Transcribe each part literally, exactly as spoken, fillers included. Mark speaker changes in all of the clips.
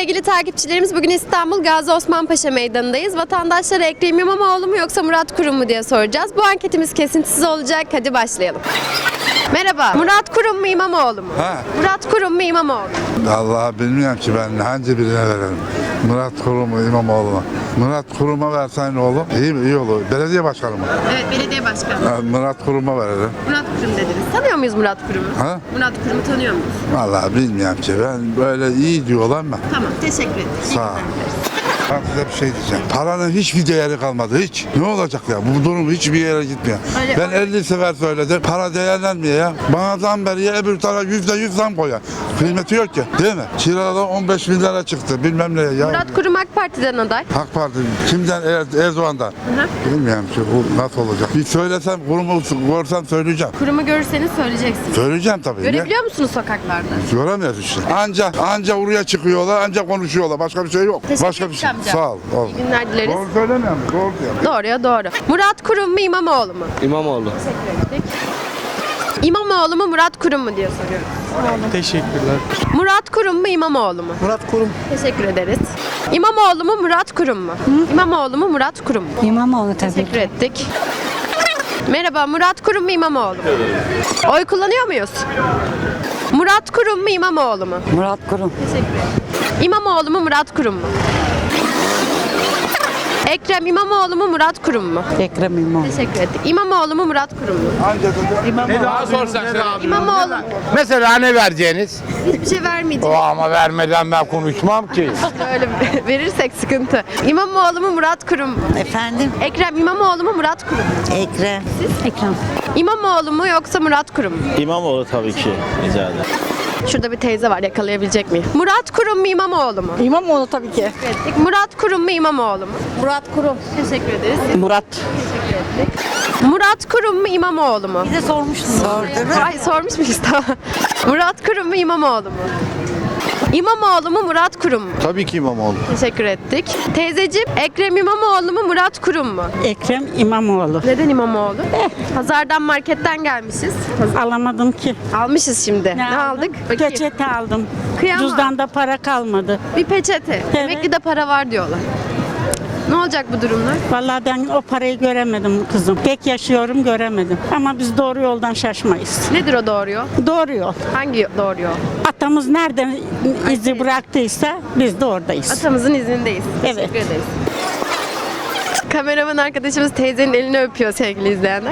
Speaker 1: Sevgili takipçilerimiz, bugün İstanbul Gazi Osman Paşa Meydanı'ndayız. Vatandaşlara Ekrem İmamoğlu mu yoksa Murat Kurum mu diye soracağız. Bu anketimiz kesintisiz olacak. Hadi başlayalım. Merhaba. Murat Kurum mu İmamoğlu mu?
Speaker 2: Ha.
Speaker 1: Murat Kurum mu İmamoğlu mu?
Speaker 2: Vallahi bilmiyorum ki ben hangi birine verelim. Murat Kurum mu İmamoğlu mu? Murat Kurum'a versen ne olur? İyi mi? İyi olur. Belediye başkanı mı?
Speaker 1: Evet, belediye başkanı.
Speaker 2: Ha, Murat Kurum'a verelim.
Speaker 1: Murat Kurum dediniz. Tanıyor muyuz Murat Kurum'u?
Speaker 2: Ha?
Speaker 1: Murat Kurum'u tanıyor muyuz?
Speaker 2: Vallahi bilmiyorum ki ben böyle iyi diyorlar mı?
Speaker 1: Tamam, teşekkür ederim. İyi
Speaker 2: Sağ ol.
Speaker 1: günler.
Speaker 2: Ben size bir şey diyeceğim. Paranın hiçbir değeri kalmadı hiç. Ne olacak ya? Bu durum hiçbir yere gitmiyor.
Speaker 1: Öyle-
Speaker 2: ben elli sefer söyledim. Para değerlenmiyor ya. Bana zam veriyor, öbür tarafa yüzde yüz zam koyuyor. Kıymeti yok ki. Değil mi? Kiralar on beş bin lira çıktı. Bilmem ne ya.
Speaker 1: Murat Kurum AK Parti'den aday.
Speaker 2: AK Parti kimden? Er- Erdoğan'dan.
Speaker 1: hı.
Speaker 2: Bilmiyorum ki bu nasıl olacak. Bir söylesem, kurumu görsem söyleyeceğim.
Speaker 1: Kurumu görürseniz söyleyeceksiniz.
Speaker 2: Söyleyeceğim tabii. Ya.
Speaker 1: Görebiliyor musunuz sokaklarda?
Speaker 2: Göremiyoruz işte. Anca anca oraya çıkıyorlar, anca konuşuyorlar. Başka bir şey yok.
Speaker 1: Teşekkür
Speaker 2: Başka bir şey.
Speaker 1: ederim amca.
Speaker 2: Sağ ol. ol.
Speaker 1: İyi günler dileriz.
Speaker 2: Doğru söylemiyor musun? Doğru diyor.
Speaker 1: Doğruya doğru. Murat Kurum mu İmamoğlu mu?
Speaker 3: İmamoğlu.
Speaker 1: İmamoğlu mu Murat Kurum mu diye soruyorum.
Speaker 3: Teşekkürler.
Speaker 1: Murat Kurum mu İmamoğlu mu?
Speaker 3: Murat Kurum.
Speaker 1: Teşekkür ederiz. İmamoğlu mu Murat Kurum mu? İmamoğlu mu Murat Kurum mu?
Speaker 4: İmamoğlu tabii.
Speaker 1: Teşekkür ettik. Merhaba, Murat Kurum mu İmamoğlu mu? Oy kullanıyor muyuz? Murat Kurum mu İmamoğlu mu?
Speaker 4: Murat Kurum.
Speaker 1: Teşekkür ederim. İmamoğlu mu Murat Kurum mu? Ekrem İmamoğlu mu Murat Kurum mu?
Speaker 4: Ekrem İmamoğlu.
Speaker 1: Teşekkür ettik. İmamoğlu mu Murat Kurum mu?
Speaker 2: Anca da
Speaker 5: Daha sorsak söyle abi.
Speaker 1: İmamoğlu.
Speaker 5: Mesela ne vereceğiniz?
Speaker 1: Hiçbir şey vermeyeceğim.
Speaker 5: O ama vermeden ben konuşmam ki.
Speaker 1: Öyle verirsek sıkıntı. İmamoğlu mu Murat Kurum mu?
Speaker 4: Efendim?
Speaker 1: Ekrem İmamoğlu mu Murat Kurum mu?
Speaker 4: Ekrem. Ekrem.
Speaker 1: İmamoğlu mu yoksa Murat Kurum mu?
Speaker 3: İmamoğlu tabii ki. Rica ederim.
Speaker 1: Şurada bir teyze var, yakalayabilecek miyim? Murat Kurum mu İmamoğlu mu?
Speaker 4: İmamoğlu tabii ki.
Speaker 1: Ettik. Murat Kurum mu İmamoğlu mu?
Speaker 4: Murat Kurum.
Speaker 1: Teşekkür ederiz.
Speaker 4: Murat.
Speaker 1: Murat Kurum mu İmamoğlu mu?
Speaker 4: Bize sormuştun. Sordum.
Speaker 1: Ay sormuş muyuz tamam. Murat Kurum mu İmamoğlu mu? İmamoğlu mu Murat Kurum mu?
Speaker 5: Tabii ki İmamoğlu.
Speaker 1: Teşekkür ettik. Teyzeciğim, Ekrem İmamoğlu mu Murat Kurum mu?
Speaker 4: Ekrem İmamoğlu.
Speaker 1: Neden İmamoğlu? Pazardan marketten gelmişiz.
Speaker 4: Alamadım ki.
Speaker 1: Almışız şimdi. Ne, aldık? Bakayım.
Speaker 4: Peçete aldım.
Speaker 1: Kıyamam.
Speaker 4: Cüzdanda para kalmadı.
Speaker 1: Bir peçete. Emekli de para var diyorlar. Ne olacak bu durumlar?
Speaker 4: Vallahi ben o parayı göremedim kızım. Pek yaşıyorum göremedim. Ama biz doğru yoldan şaşmayız.
Speaker 1: Nedir o doğru yol?
Speaker 4: Doğru yol.
Speaker 1: Hangi doğru yol?
Speaker 4: Atamız nereden izi bıraktıysa biz de oradayız.
Speaker 1: Atamızın izindeyiz.
Speaker 4: Evet.
Speaker 1: Teşekkür ederiz. Kameraman arkadaşımız teyzenin elini öpüyor sevgili izleyenler.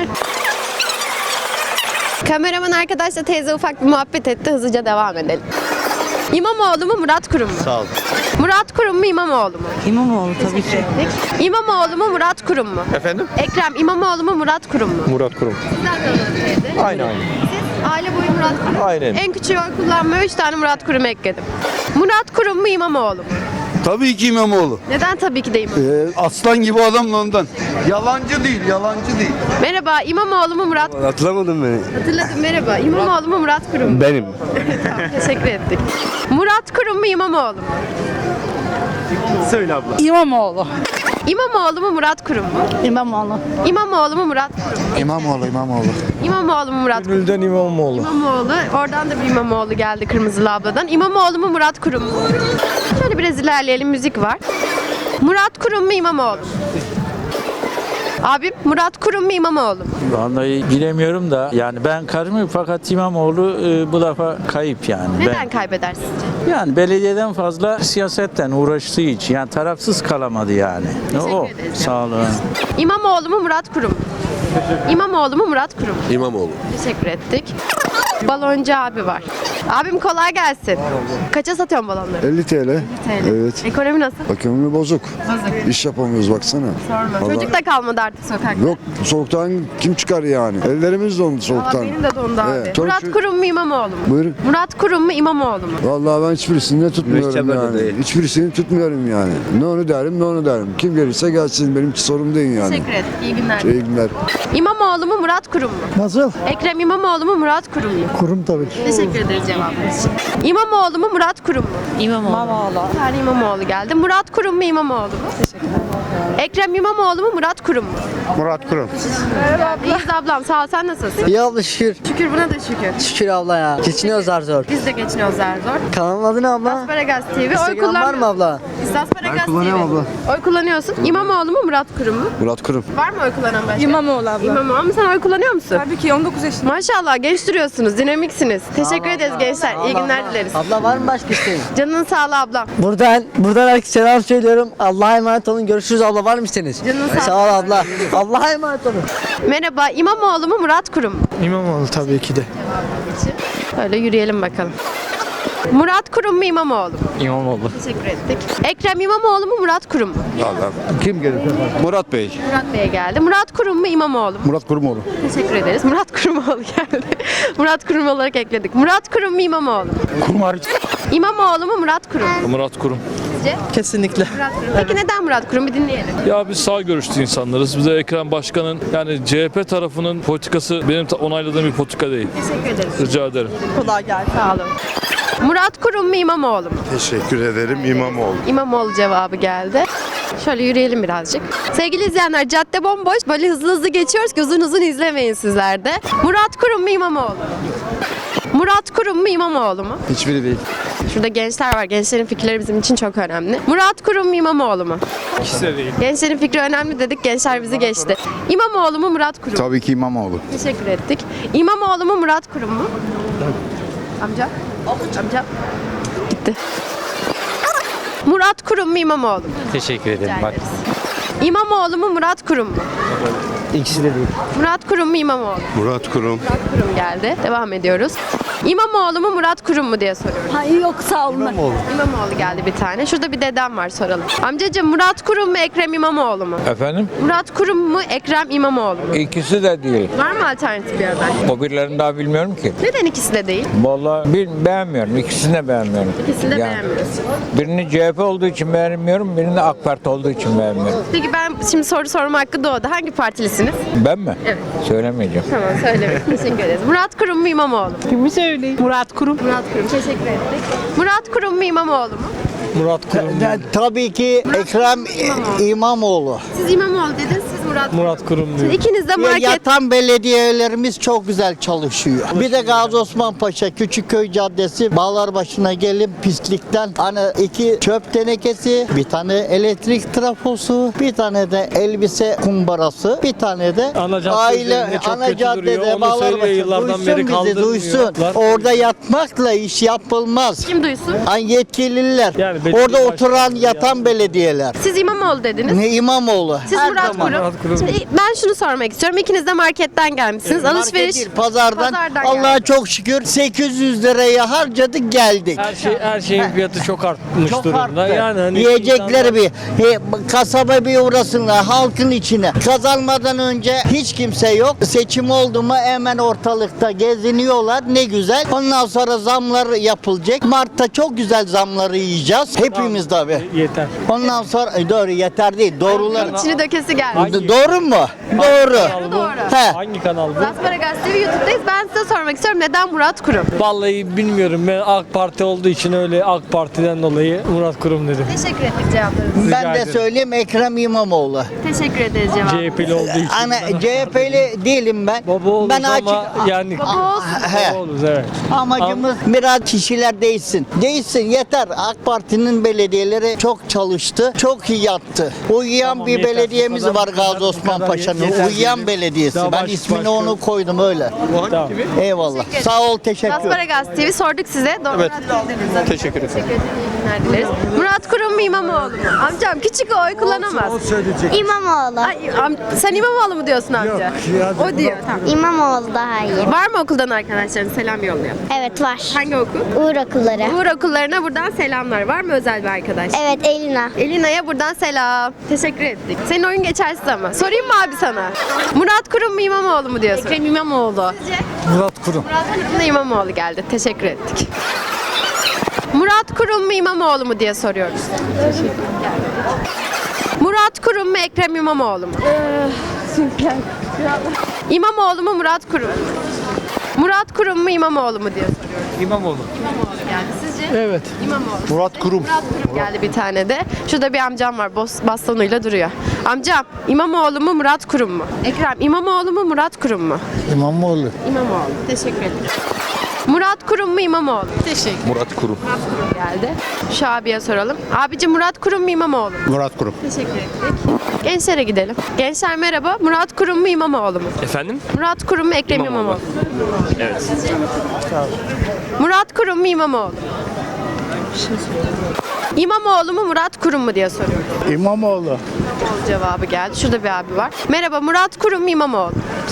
Speaker 1: Kameraman arkadaşla teyze ufak bir muhabbet etti. Hızlıca devam edelim. İmamoğlu mu Murat Kurum mu?
Speaker 3: Sağ ol.
Speaker 1: Murat Kurum mu İmamoğlu mu?
Speaker 4: İmamoğlu tabii ki.
Speaker 1: İmamoğlu mu Murat Kurum mu?
Speaker 5: Efendim?
Speaker 1: Ekrem İmamoğlu mu Murat Kurum mu?
Speaker 5: Murat Kurum.
Speaker 1: Sizler tanıdınız teyze.
Speaker 5: Aynen aynen.
Speaker 1: Siz aile boyu Murat Kurum.
Speaker 5: Aynen.
Speaker 1: En küçüğü oy kullanmaya üç tane Murat Kurum ekledim. Murat Kurum mu İmamoğlu mu?
Speaker 6: Tabii ki İmamoğlu.
Speaker 1: Neden tabii ki de İmamoğlu?
Speaker 6: Ee, aslan gibi adam da ondan. Yalancı değil, yalancı değil.
Speaker 1: Merhaba, İmamoğlu mu Murat Kurum?
Speaker 6: Hatırlamadın beni.
Speaker 1: Hatırladım, merhaba. İmamoğlu mu Murat Kurum mu?
Speaker 6: Benim.
Speaker 1: Tamam, teşekkür ettik. Murat Kurum mu İmamoğlu mu?
Speaker 3: Söyle abla.
Speaker 4: İmamoğlu.
Speaker 1: İmamoğlu mu Murat Kurum mu?
Speaker 4: İmamoğlu.
Speaker 1: İmamoğlu mu Murat Kurum mu?
Speaker 2: İmamoğlu, İmamoğlu.
Speaker 1: İmamoğlu mu Murat Kurum mu?
Speaker 5: Gülden İmamoğlu.
Speaker 1: İmamoğlu. Oradan da bir İmamoğlu geldi Kırmızılı abladan. İmamoğlu mu Murat Kurum mu? Şöyle biraz ilerleyelim, müzik var. Murat Kurum mu İmamoğlu mu? Abim, Murat Kurum mu İmamoğlu mu?
Speaker 7: Vallahi bilemiyorum da yani ben karımı fakat İmamoğlu e, bu defa kayıp yani.
Speaker 1: Neden
Speaker 7: Ben,
Speaker 1: kaybeder sizce?
Speaker 7: yani belediyeden fazla siyasetten uğraştığı için yani tarafsız kalamadı yani. O
Speaker 1: ederiz.
Speaker 7: sağ olun.
Speaker 1: İmamoğlu mu Murat Kurum mu? İmamoğlu mu Murat Kurum mu?
Speaker 6: İmamoğlu.
Speaker 1: Teşekkür ettik. Baloncu abi var. Abim kolay gelsin. Kaça satıyorsun balonları?
Speaker 8: elli T L.
Speaker 1: T L.
Speaker 8: Evet.
Speaker 1: Ekonomi nasıl?
Speaker 8: Ekonomi bozuk.
Speaker 1: Bozuk.
Speaker 8: İş yapamıyoruz baksana.
Speaker 1: Sorma.
Speaker 8: Vallahi-
Speaker 1: Çocuk da kalmadı artık sokakta.
Speaker 8: Yok soğuktan kim çıkar yani? Ellerimiz dondu
Speaker 1: Aa,
Speaker 8: soğuktan.
Speaker 1: benim de dondu abi.
Speaker 8: Evet. Çok-
Speaker 1: Murat Kurum mu İmamoğlu mu?
Speaker 8: Buyurun.
Speaker 1: Murat Kurum mu İmamoğlu mu?
Speaker 8: Vallahi ben hiçbirisini de tutmuyorum yani. Hiçbirisini tutmuyorum yani. Ne onu derim ne onu derim. Kim gelirse gelsin benim sorum değil yani.
Speaker 1: Teşekkür ettik. İyi günler.
Speaker 8: İyi günler.
Speaker 1: İmamoğlu mu Murat Kurum mu?
Speaker 9: Nasıl?
Speaker 1: Ekrem İmamoğlu mu Murat Kurum mu?
Speaker 9: Kurum tabii ki.
Speaker 1: Teşekkür ederiz. cevabınız için. İmamoğlu mu Murat Kurum mu?
Speaker 9: İmamoğlu.
Speaker 1: Bir tane İmamoğlu geldi. Murat Kurum mu İmamoğlu mu? Ekrem İmamoğlu mu Murat Kurum mu?
Speaker 5: Murat Kurum.
Speaker 1: İyiyiz ablam sağ ol, sen nasılsın?
Speaker 9: İyi abla şükür.
Speaker 1: Şükür buna da şükür.
Speaker 9: Şükür abla ya. Geçiniyoruz zar zor.
Speaker 1: Biz de geçiniyoruz zar zor.
Speaker 9: Kanalın adı ne abla?
Speaker 1: Asparagas T V oy
Speaker 9: Instagram var
Speaker 1: kullanmıyor.
Speaker 9: mı abla?
Speaker 1: Asparagas T V. Oy kullanıyorsun. İmamoğlu mu Murat Kurum mu?
Speaker 8: Murat Kurum.
Speaker 1: Var mı oy kullanan başka?
Speaker 10: İmamoğlu abla.
Speaker 1: İmamoğlu mu? Sen oy kullanıyor musun?
Speaker 10: Tabii ki on dokuz yaşında.
Speaker 1: Maşallah genç duruyorsunuz, dinamiksiniz. Teşekkür ederiz gençler. İyi günler dileriz.
Speaker 9: Abla var mı başka isteğin?
Speaker 1: Canının sağlığı ablam.
Speaker 9: Buradan, buradan herkese selam söylüyorum. Allah'a emanet olun. Görüşürüz abla. Var mı isteğiniz?
Speaker 1: Canın sağ
Speaker 9: Sağ ol abla. Allah'a emanet olun.
Speaker 1: Merhaba, İmamoğlu mu Murat Kurum mu?
Speaker 3: İmamoğlu tabii ki de.
Speaker 1: Böyle yürüyelim bakalım. Murat Kurum mu İmamoğlu mu?
Speaker 3: İmamoğlu.
Speaker 1: Teşekkür ettik. Ekrem İmamoğlu mu Murat Kurum mu?
Speaker 8: Kim gelir? Murat Bey.
Speaker 1: Murat Bey'e geldi. Murat Kurum mu İmamoğlu mu?
Speaker 8: Murat Kurumoğlu.
Speaker 1: Teşekkür ederiz. Murat Kurumoğlu geldi. Murat Kurum olarak ekledik. Murat Kurum mu İmamoğlu mu?
Speaker 3: Kurum hariç.
Speaker 1: İmamoğlu mu Murat Kurum mu?
Speaker 11: Murat Kurum.
Speaker 1: Sizce?
Speaker 3: Kesinlikle.
Speaker 1: Murat Kurum. Peki neden Murat Kurum? Bir dinleyelim.
Speaker 11: Ya biz sağ görüşlü insanlarız. Bize Ekrem Başkan'ın yani C H P tarafının politikası benim ta- onayladığım bir politika değil.
Speaker 1: Teşekkür ederiz.
Speaker 11: Rica ederim.
Speaker 10: Kolay gelsin.
Speaker 1: Sağ olun. Murat Kurum mu İmamoğlu mu?
Speaker 5: Teşekkür ederim İmamoğlu.
Speaker 1: İmamoğlu cevabı geldi. Şöyle yürüyelim birazcık. Sevgili izleyenler, cadde bomboş. Böyle hızlı hızlı geçiyoruz ki uzun uzun izlemeyin sizler de. Murat Kurum mu İmamoğlu mu? Murat Kurum mu İmamoğlu mu?
Speaker 8: Hiçbiri değil.
Speaker 1: Şurada gençler var. Gençlerin fikirleri bizim için çok önemli. Murat Kurum mu İmamoğlu mu?
Speaker 11: İkisi de değil.
Speaker 1: Gençlerin fikri önemli dedik. Gençler bizi geçti. İmamoğlu mu Murat Kurum mu?
Speaker 8: Tabii ki İmamoğlu.
Speaker 1: Teşekkür ettik. İmamoğlu mu Murat Kurum mu? Amca? Amca? Gitti. Murat Kurum mu İmamoğlu mu?
Speaker 3: Teşekkür ederim.
Speaker 1: Rica ederiz. İmamoğlu mu Murat Kurum mu?
Speaker 3: İkisi de değil.
Speaker 1: Murat Kurum mu İmamoğlu mu?
Speaker 5: Murat Kurum.
Speaker 1: Murat Kurum geldi. Devam ediyoruz. İmamoğlu mu Murat Kurum mu diye soruyoruz.
Speaker 10: Hayır yok sağ olun.
Speaker 1: İmamoğlu geldi bir tane. Şurada bir dedem var, soralım. Amcacığım, Murat Kurum mu Ekrem İmamoğlu mu?
Speaker 7: Efendim?
Speaker 1: Murat Kurum mu Ekrem İmamoğlu mu?
Speaker 7: İkisi de değil.
Speaker 1: Var mı alternatif bir aday?
Speaker 7: O birilerini daha bilmiyorum ki.
Speaker 1: Neden ikisi de değil?
Speaker 7: Vallahi bil, beğenmiyorum. İkisini de beğenmiyorum.
Speaker 1: İkisini de
Speaker 7: Yani
Speaker 1: beğenmiyorsun.
Speaker 7: Birini C H P olduğu için beğenmiyorum, birini AK Parti olduğu için beğenmiyorum.
Speaker 1: Peki ben şimdi soru sorma hakkı doğdu. Hangi partilisiniz?
Speaker 7: Ben mi?
Speaker 1: Evet.
Speaker 7: Söylemeyeceğim.
Speaker 1: Tamam, söylemeyin. Teşekkür ederiz. Murat Kurum mu İmamoğlu mu?
Speaker 10: Kimi söyleyeyim? Murat Kurum.
Speaker 1: Murat Kurum. Teşekkür ettik. Murat Kurum mu İmamoğlu mu?
Speaker 3: Murat Kurum.
Speaker 9: Tabii ki Ekrem İmamoğlu.
Speaker 1: Siz İmamoğlu dediniz, siz Murat Kurum.
Speaker 3: Murat Kurum diyor.
Speaker 1: İkiniz de market...
Speaker 9: Yatan belediyelerimiz çok güzel çalışıyor. Bir de Gazi Osman Paşa Küçükköy Caddesi Bağlarbaşı'na gelip pislikten hani iki çöp tenekesi, bir tane elektrik trafosu, bir tane de elbise kumbarası, bir tane de
Speaker 3: Ana cadde
Speaker 9: aile
Speaker 3: üzerinde çok
Speaker 9: ana
Speaker 3: kötü duruyor.
Speaker 9: caddede
Speaker 3: Onu söylüyor,
Speaker 9: Bağlarbaşı.
Speaker 3: yıllardan beri
Speaker 9: Duysun bizi,
Speaker 3: kaldırmıyor.
Speaker 9: duysun.
Speaker 3: Lan-
Speaker 9: Orada yatmakla iş yapılmaz.
Speaker 1: Kim duysun?
Speaker 9: Hani yetkililer,
Speaker 3: Yani belediye
Speaker 9: orada oturan
Speaker 3: başkanı
Speaker 9: yatan belediyeler.
Speaker 1: Siz İmamoğlu dediniz.
Speaker 9: Ne İmamoğlu?
Speaker 1: Siz
Speaker 9: Her
Speaker 1: Murat
Speaker 9: zaman.
Speaker 1: Kurum.
Speaker 3: Murat Kurum.
Speaker 1: Şimdi ben şunu sormak istiyorum. İkiniz de marketten gelmişsiniz.
Speaker 9: Market
Speaker 1: Alışveriş.
Speaker 9: değil, pazardan,
Speaker 1: Pazardan
Speaker 9: Allah'a
Speaker 1: geldi.
Speaker 9: çok şükür sekiz yüz liraya harcadık geldik.
Speaker 3: Her şey her şeyin fiyatı çok artmış
Speaker 9: Çok
Speaker 3: durumda.
Speaker 9: arttı.
Speaker 3: Yani hani
Speaker 9: Yiyecekleri
Speaker 3: insanlar-
Speaker 9: bir he, kasaba bir uğrasınlar halkın içine. Kazanmadan önce hiç kimse yok. Seçim oldu mu hemen ortalıkta geziniyorlar. Ne güzel. Ondan sonra zamlar yapılacak. Mart'ta çok güzel zamları yiyeceğiz. Hepimiz tabii.
Speaker 3: Yeter.
Speaker 9: Ondan sonra e, doğru yeter değil. Doğrular.
Speaker 1: İçini dökesi geldi.
Speaker 3: Hangi-
Speaker 9: Doğru mu? Doğru.
Speaker 3: Kanal bu?
Speaker 1: Doğru.
Speaker 9: He.
Speaker 3: Hangi kanal bu?
Speaker 1: Asparagas T V YouTube'dayız. Ben size sormak istiyorum. Neden Murat Kurum?
Speaker 3: Vallahi bilmiyorum. Ben AK Parti olduğu için öyle AK Parti'den dolayı Murat Kurum dedim.
Speaker 1: Teşekkür ettik cevaplarınız.
Speaker 9: Ben de
Speaker 3: ederim.
Speaker 9: söyleyeyim Ekrem İmamoğlu.
Speaker 1: Teşekkür ederiz cevap.
Speaker 3: C H P'li olduğu için.
Speaker 9: Ana C H P'li değilim ben.
Speaker 3: Baba oluruz
Speaker 9: ben
Speaker 3: ama
Speaker 9: açık
Speaker 3: yani
Speaker 1: Baba olsun.
Speaker 9: He.
Speaker 3: baba oluruz evet.
Speaker 9: Amacımız biraz kişiler değilsin. Değilsin yeter. AK Parti'nin belediyeleri çok çalıştı. Çok iyi yaptı. Uyuyan
Speaker 3: Tamam,
Speaker 9: bir
Speaker 3: yeter.
Speaker 9: belediyemiz
Speaker 3: Bu kadar-
Speaker 9: var
Speaker 3: bu kadar-
Speaker 9: Gazi
Speaker 3: bu
Speaker 9: Osman
Speaker 3: kadar
Speaker 9: Paşa'nın.
Speaker 3: yeter
Speaker 9: Uyuyan
Speaker 3: dedim.
Speaker 9: belediyesi.
Speaker 3: Daha
Speaker 9: Ben
Speaker 3: baş-
Speaker 9: ismini
Speaker 3: başka-
Speaker 9: onu koydum öyle.
Speaker 3: Tamam.
Speaker 9: Eyvallah. Sağ ol, teşekkür ederim.
Speaker 1: Asparagas T V sorduk size. Doğru evet. Teşekkür ederim. Teşekkür ederim. İyi günler dileriz. Murat Kurum mu İmamoğlu mu? Amcam küçük o, oy kullanamaz.
Speaker 12: İmamoğlu.
Speaker 1: Ay, am- sen İmamoğlu mu diyorsun amca? O diyor. Tamam.
Speaker 12: İmamoğlu daha iyi.
Speaker 1: Var mı okuldan arkadaşların selam yollayalım?
Speaker 12: Evet var.
Speaker 1: Hangi okul?
Speaker 12: Uğur okulları.
Speaker 1: Uğur okullarına buradan selamlar. Var mı özel bir arkadaş?
Speaker 12: Evet Elina.
Speaker 1: Elina'ya buradan selam. Teşekkür ettik. Senin oyun geçersiz ama. Sorayım mı abi sana? Murat Kurum mu İmamoğlu mu diyorsun? Ekrem İmamoğlu. Sizce?
Speaker 3: Murat Kurum.
Speaker 1: Murat Kurum da İmamoğlu geldi. Teşekkür ettik. Murat Kurum mu İmamoğlu mu diye soruyoruz. Murat Kurum mu Ekrem İmamoğlu mu? İmamoğlu mu Murat Kurum mu? Murat Kurum mu İmamoğlu mu diye soruyoruz.
Speaker 3: İmamoğlu.
Speaker 1: İmamoğlu geldi. Sizce?
Speaker 3: Evet.
Speaker 1: İmamoğlu.
Speaker 6: Murat Kurum.
Speaker 1: Murat Kurum geldi bir tane de. Şurada bir amcam var. Bos, bastonuyla duruyor. Amcam İmamoğlu mu Murat Kurum mu? Ekrem İmamoğlu mu Murat Kurum mu?
Speaker 6: İmamoğlu.
Speaker 1: İmamoğlu. Teşekkür ederim. Murat Kurum mu İmamoğlu? Teşekkür.
Speaker 6: Murat Kurum.
Speaker 1: Murat Kurum geldi. Şu abiye soralım. Abici Murat Kurum mu İmamoğlu mu?
Speaker 6: Murat Kurum.
Speaker 1: Teşekkür ettik. Gençlere gidelim. Gençler merhaba. Murat Kurum mu İmamoğlu mu?
Speaker 11: Efendim?
Speaker 1: Murat Kurum mu Ekrem İmamoğlu,
Speaker 11: İmamoğlu.
Speaker 1: mu?
Speaker 11: Evet.
Speaker 1: Murat Kurum mu İmamoğlu? İmamoğlu mu Murat Kurum mu diye soruyorum.
Speaker 6: İmamoğlu.
Speaker 1: İmamoğlu cevabı geldi. Şurada bir abi var. Merhaba Murat Kurum mu İmamoğlu?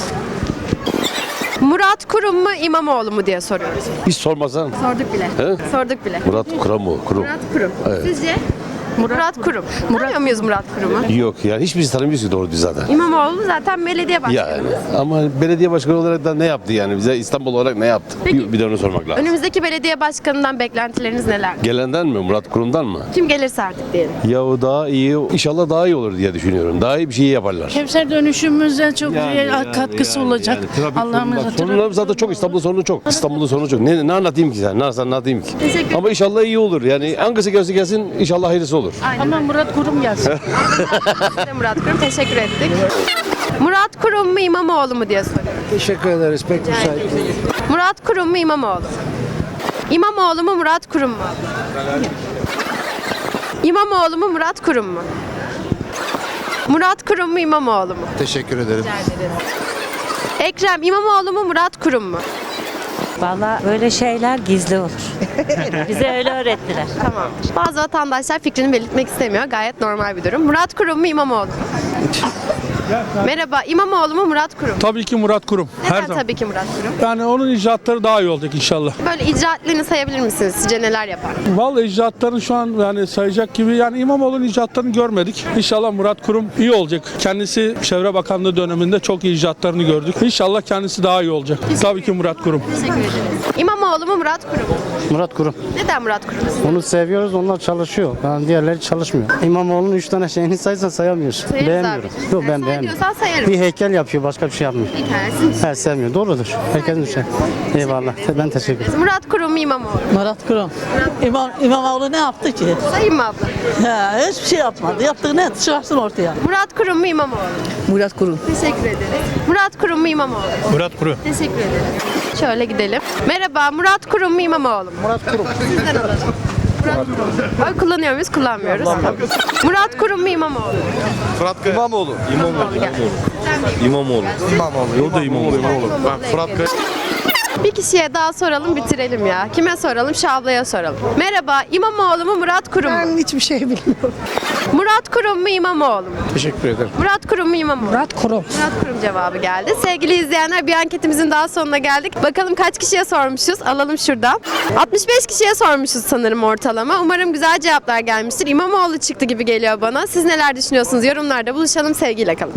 Speaker 1: Murat Kurum mu İmamoğlu mu diye soruyoruz.
Speaker 5: Hiç sormasan.
Speaker 1: Sorduk bile. Sorduk bile.
Speaker 5: Murat Kurum mu? Kurum.
Speaker 1: Murat Kurum. Sizce? Murat Kurum. Tanıyor muyuz Murat Kurum'u?
Speaker 5: Yok yani hiçbirisi tanımıyoruz ki doğru düz zaten.
Speaker 1: İmamoğlu zaten belediye başkanı.
Speaker 5: Yani ama belediye başkanı olarak da ne yaptı yani bize İstanbul olarak ne yaptı?
Speaker 1: Peki.
Speaker 5: Bir, bir de onu sormak lazım.
Speaker 1: Önümüzdeki belediye başkanından beklentileriniz neler?
Speaker 5: Gelenden mi? Murat Kurum'dan mı?
Speaker 1: Kim gelirse artık diyelim.
Speaker 5: Yahu daha iyi, inşallah daha iyi olur diye düşünüyorum. Daha iyi bir şey yaparlar.
Speaker 10: Kevser dönüşümüze çok güzel katkısı olacak. Allah'ımız
Speaker 5: Sorunlarım zaten çok. İstanbul'un sorunu çok. İstanbul'un sorunu çok. Ne, ne anlatayım ki sen? Ne anlatayım ki?
Speaker 1: Teşekkür
Speaker 5: Ama inşallah iyi olur. Yani hangisi gelse gelsin inşallah hayırlısı olur.
Speaker 10: Ama Murat Kurum gelsin.
Speaker 1: Size Murat Kurum teşekkür ettik. Murat Kurum mu İmamoğlu mu diye soruyorum.
Speaker 3: Teşekkür ederiz. Pek müsait.
Speaker 1: Murat Kurum mu İmamoğlu? İmamoğlu mu Murat Kurum mu? İmamoğlu mu Murat Kurum mu? Murat Kurum mu İmamoğlu mu?
Speaker 6: Teşekkür ederim.
Speaker 1: Ekrem İmamoğlu mu Murat Kurum mu?
Speaker 10: Valla böyle şeyler gizli olur. Bize öyle öğrettiler.
Speaker 1: Tamam. Bazı vatandaşlar fikrini belirtmek istemiyor. Gayet normal bir durum. Murat Kurum mu İmamoğlu mu? Merhaba İmamoğlu mu Murat Kurum mu?
Speaker 3: Tabii ki Murat Kurum.
Speaker 1: Neden tabii ki Murat Kurum?
Speaker 3: Yani onun icraatları daha iyi olacak inşallah.
Speaker 1: Böyle icraatlerini sayabilir misiniz? Sizce neler yapar?
Speaker 3: Vallahi icraatlarını şu an yani sayacak gibi yani İmamoğlu'nun icraatlarını görmedik. İnşallah Murat Kurum iyi olacak. Kendisi Çevre Bakanlığı döneminde çok iyi icraatlarını gördük. İnşallah kendisi daha iyi olacak. Tabii ki Murat Kurum.
Speaker 1: Teşekkür ederiz. İmamoğlu mu Murat Kurum mu?
Speaker 6: Murat Kurum.
Speaker 1: Neden Murat Kurum?
Speaker 6: Onu seviyoruz, onlar çalışıyor. Yani diğerleri çalışmıyor. İmamoğlu'nun üç tane şeyini saysan sayamıyorsun.
Speaker 1: Sayarız
Speaker 6: Beğenmiyorum.
Speaker 1: abi.
Speaker 6: Yok
Speaker 1: Sen
Speaker 6: ben
Speaker 1: say
Speaker 6: beğenmiyorum.
Speaker 1: diyorsan sayarım.
Speaker 6: Bir heykel yapıyor, başka bir şey yapmıyor.
Speaker 1: Bir tanesi.
Speaker 6: He sevmiyor. Doğrudur. Herkesin bir şey. Eyvallah. Ben teşekkür ederim.
Speaker 1: Murat Kurum mu İmamoğlu?
Speaker 10: Murat Kurum. İmam, İmamoğlu ne yaptı ki?
Speaker 1: Sayayım mı abla?
Speaker 10: Ha, hiçbir şey yapmadı. Yaptığı ne? Çıkarsın ortaya.
Speaker 1: Murat Kurum mu İmamoğlu?
Speaker 10: Murat Kurum.
Speaker 1: Teşekkür ederiz. Murat Kurum mu İmamoğlu?
Speaker 3: Murat Kurum.
Speaker 1: Teşekkür ederim. Şöyle gidelim. Merhaba Murat Kurum mu İmamoğlu mu?
Speaker 6: Murat Kurum.
Speaker 1: Sizden alalım. Murat Kurum. Oy kullanıyor muyuz? Kullanmıyoruz. Murat Kurum mu İmamoğlu mu?
Speaker 6: Fırat İmamoğlu.
Speaker 1: İmamoğlu.
Speaker 5: İmamoğlu.
Speaker 6: İmamoğlu.
Speaker 5: Yolda İmamoğlu.
Speaker 6: Ben Fırat
Speaker 1: Bir kişiye daha soralım bitirelim ya. Kime soralım? Şu ablaya soralım. Merhaba İmamoğlu mu Murat Kurum mu?
Speaker 10: Ben hiçbir şey bilmiyorum.
Speaker 1: Murat Kurum mu İmamoğlu mu?
Speaker 6: Teşekkür ederim.
Speaker 1: Murat Kurum mu İmamoğlu?
Speaker 10: Murat Kurum.
Speaker 1: Murat Kurum cevabı geldi. Sevgili izleyenler bir anketimizin daha sonuna geldik. Bakalım kaç kişiye sormuşuz? Alalım şuradan. altmış beş kişiye sormuşuz sanırım ortalama. Umarım güzel cevaplar gelmiştir. İmamoğlu çıktı gibi geliyor bana. Siz neler düşünüyorsunuz? Yorumlarda buluşalım. Sevgiyle kalın.